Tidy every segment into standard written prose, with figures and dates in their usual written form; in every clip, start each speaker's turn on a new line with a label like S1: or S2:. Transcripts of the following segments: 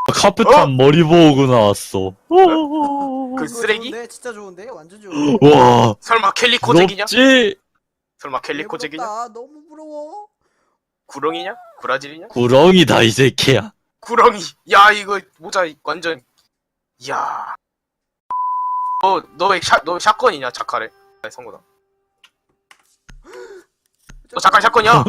S1: 카페탄 머리 보고 나왔어.
S2: 그 쓰레기?
S3: 좋은데? 진짜 좋은데? 완전 좋은데?
S1: 와,
S2: 설마 캘리코잭이냐?
S1: 부럽지?
S2: 설마 캘리코잭이냐?
S3: 부럽다. 너무 부러워.
S2: 구렁이냐? 브라질이냐?
S1: 구렁이다, 이 새끼야.
S2: 구렁이. 야 이거 모자 완전. 이야. 너 샷건이냐 자카래? 성구다. 너 잠깐 샷건이야?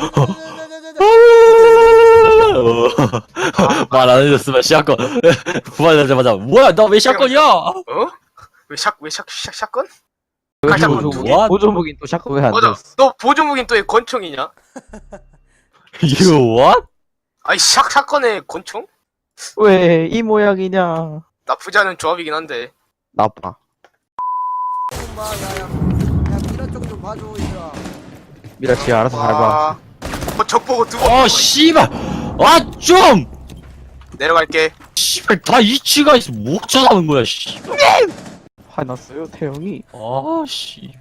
S1: 말 안 해줬으면 샷건. 부활하자마자, 뭐야, 나 왜 샷건이야?
S2: 어? 왜 샷건? 잠깐만, 두 개?
S1: What?
S4: 보조무긴 또 샷건 왜안
S2: 맞아.
S4: 돼?
S2: 너 보조무긴 또 왜 권총이냐?
S1: You what?
S2: 아이 샷건에 권총?
S4: 왜 이 모양이냐?
S2: 나쁘지 않은 조합이긴 한데.
S4: 나빠.
S3: 엄마, 야, 미라 쪽좀 봐줘, 얘들아.
S4: 미라치 알아서 밟아.
S2: 와. 적 보고 두 번.
S1: 아, 씨발! 아, 좀!
S2: 내려갈게.
S1: 씨발, 다 이치가 있어. 못 찾아오는 거야, 씨.
S4: 화났어요 태영이.
S1: 아, 씨.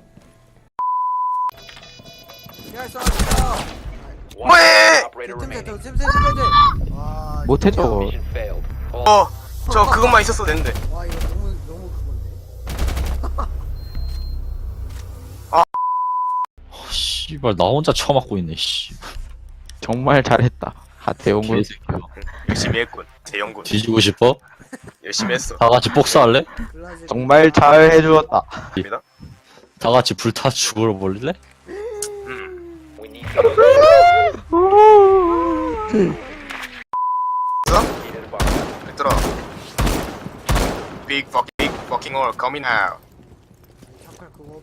S3: 야, 쏴,
S2: 왜?
S3: 쌤. 와,
S4: 못해 저거.
S2: 저 그것만 있었어도 되는데.
S3: 와, 이거 너무 그건데.
S1: 씨발, 나 혼자 처맞고 있네, 씨.
S4: 정말 잘했다. 하태용군.
S1: 개새끼야.
S2: 열심히 했군. 대형군.
S1: 뒤지고 싶어?
S2: 열심히 했어.
S1: 다 같이 복수할래?
S3: 글라즈.
S4: 정말 잘 해주었다.
S2: 입니다.
S1: 다 같이 불타 죽어버릴래?
S2: 얘들아. Big fucking all coming out.
S3: 잠깐 그거.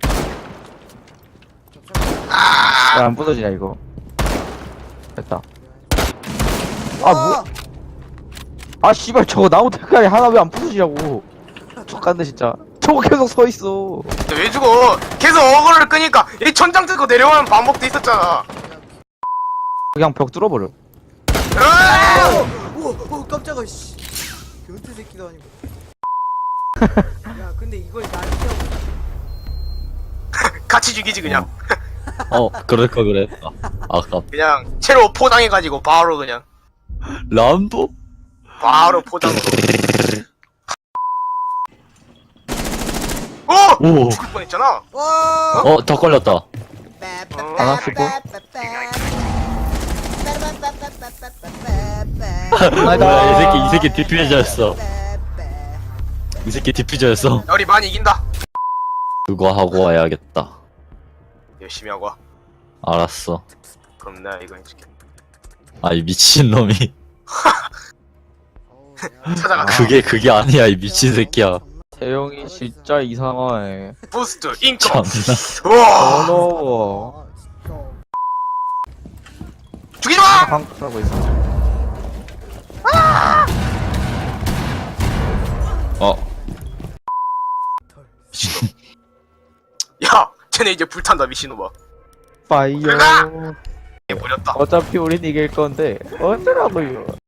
S4: 왜 안 부서지냐 이거. 됐다. 아 뭐? 아 씨발 저거 나무 색깔이 하나 왜 안 부서지냐고. 족같네 진짜. 저거 계속 서 있어.
S2: 근데 왜 죽어? 계속 어그로를 끄니까 이 천장 뜯고 내려가는 방법도 있었잖아.
S4: 그냥 벽 뚫어버려.
S2: 으아!
S3: 오, 깜짝아, 씨. 변태 새끼도 아니고. 야, 근데 이걸 날 피하고.
S2: 같이 죽이지 그냥.
S1: 그럴 거 그래. 아까
S2: 그냥 채로 포장해가지고 바로 그냥
S1: 람보?
S2: 바로 포장.
S1: 오.
S2: 죽을 뻔했잖아.
S3: 와!
S1: 더 걸렸다.
S4: 하나 쓰고.
S1: 뭐야, 이 새끼 디퓨저였어. 이 새끼 디퓨저였어.
S2: 우리 많이 이긴다.
S1: 그거 하고 와야겠다.
S2: 열심히 하고 와.
S1: 알았어.
S2: 그럼 내가 이거 해줄게.
S1: 아, 이 미친놈이.
S2: 찾아가.
S1: 그게 아니야, 이 미친 새끼야.
S4: 태영이 진짜 이상하네.
S2: 부스트 인컴.
S1: 참나.
S2: 우와.
S4: 어려워.
S2: 죽이지 마.
S4: 한국 하고 있어.
S2: 야, 쟤네 이제 불탄다 미친놈아.
S4: 파이어.
S2: 얘 버렸다.
S4: 어차피 우린 이길 건데 어쩌라고요.